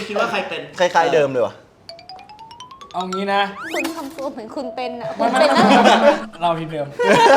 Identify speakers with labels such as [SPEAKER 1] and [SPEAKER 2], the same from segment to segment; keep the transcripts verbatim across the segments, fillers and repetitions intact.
[SPEAKER 1] คิดว่าใครเป็น
[SPEAKER 2] คล้ายๆเดิมเลยวะ
[SPEAKER 3] เอางี้นะ
[SPEAKER 4] คุณทำตัวเหมือนคุณเป็นอ่ะคุ
[SPEAKER 3] มั
[SPEAKER 4] ณ
[SPEAKER 3] น
[SPEAKER 4] เป็นนั่น
[SPEAKER 3] เราทีเดิม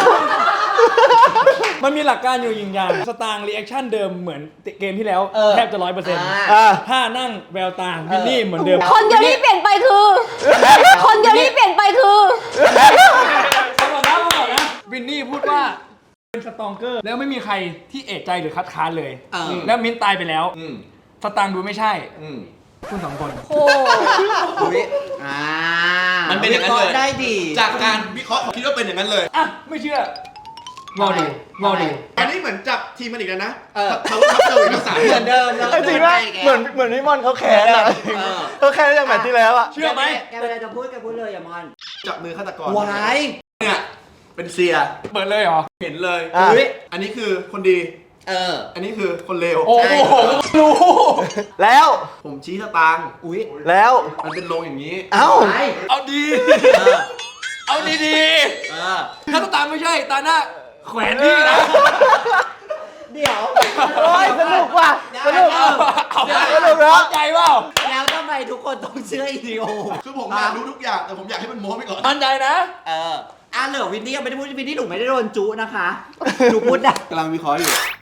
[SPEAKER 3] มันมีหลักการอยู่อย่างอย่างสตางค์รีแอคชั่นเดิมเหมือนเกมที่แล้วแทบจะร้อยเปอร์เซ็นต์
[SPEAKER 2] อ่า
[SPEAKER 3] ถ้านั่งแววตาวินนี่เหมือนเดิม
[SPEAKER 4] คนเดียวที่เปลี่ยนไปคือ คนเดียวที่เปลี่ยนไปคือ
[SPEAKER 3] ฟังก่อนนะฟังก่อนนะวินนี่พูดว่าเป็นสตองเกอร์แล้วไม่มีใครที่เอะใจหรือคัดค้านเลย แล้วมิ้นตายไปแล้ว
[SPEAKER 1] อืม
[SPEAKER 3] สตางค์ดูไม่ใช่
[SPEAKER 1] อืม
[SPEAKER 3] คุณสองคน
[SPEAKER 4] โอ้
[SPEAKER 5] อุ๊ยอ่า
[SPEAKER 1] มันเป็นอย่างนั้นเลย
[SPEAKER 5] ได้ดี
[SPEAKER 1] จากการวิเคราะห์คิดว่าเป็นอย่างนั้นเลย
[SPEAKER 3] อ่ะ ไม่เชื่อรอดูรอดู
[SPEAKER 1] อันนี้เหมือนจับทีมมันอีกแล้วนะ
[SPEAKER 5] เออ
[SPEAKER 1] เขาทับเจออีกแล้วสาม
[SPEAKER 5] เหมือนเดิมเลย
[SPEAKER 2] ไอ้จริงว่าเหมือนเหมือนพี่มอนเขาแค้นอะเขาแค้นจากแมตช์ที่แล้วอะ
[SPEAKER 3] เชื่อไหม
[SPEAKER 5] แกเวลาจะพูดแกพูดเลยอย่ามอน
[SPEAKER 1] จับมือฆาตกร
[SPEAKER 5] วาย
[SPEAKER 1] เนี่ยเป็นเซีย
[SPEAKER 3] เปิดเลยเหรอ
[SPEAKER 1] เห็นเลย
[SPEAKER 2] อ่ะ
[SPEAKER 5] อุ๊ย
[SPEAKER 1] อันนี้คือคนดี
[SPEAKER 5] เออ
[SPEAKER 1] อันนี้คือคนเลว
[SPEAKER 3] โอ้โหรู้
[SPEAKER 2] แล้ว
[SPEAKER 1] ผมชี้สตางค์
[SPEAKER 5] อุ้ย
[SPEAKER 2] แล้ว
[SPEAKER 1] มันเป็นโรงอย่างนี้
[SPEAKER 2] เอ้า
[SPEAKER 5] วาย
[SPEAKER 3] เอาดี
[SPEAKER 5] เออ
[SPEAKER 3] เอาดีดี
[SPEAKER 5] เออ
[SPEAKER 3] ถ้าตามไม่ใช่ตาหน้าแขวนนี่นะ
[SPEAKER 5] เดี๋ยว
[SPEAKER 2] โอ้ยสนุกว่ะสนุก
[SPEAKER 3] เอาเอา
[SPEAKER 2] สนุกเหรอ
[SPEAKER 3] ใจเปล่า
[SPEAKER 5] แล้วทำไมทุกคนต้องเชื่ออีดีโอ
[SPEAKER 1] คือผมอยากรู้ทุกอย่างแต่ผมอยากให้มันโม้ไปก่อน
[SPEAKER 3] มั่นใจนะ
[SPEAKER 5] เอออ่ะเหลือวินนี่ยังไม่ได้พูดวินนี่หนูไม่ได้โดนจุนะคะหนูพูดได้
[SPEAKER 1] กำลังวิเคราะห์อยู่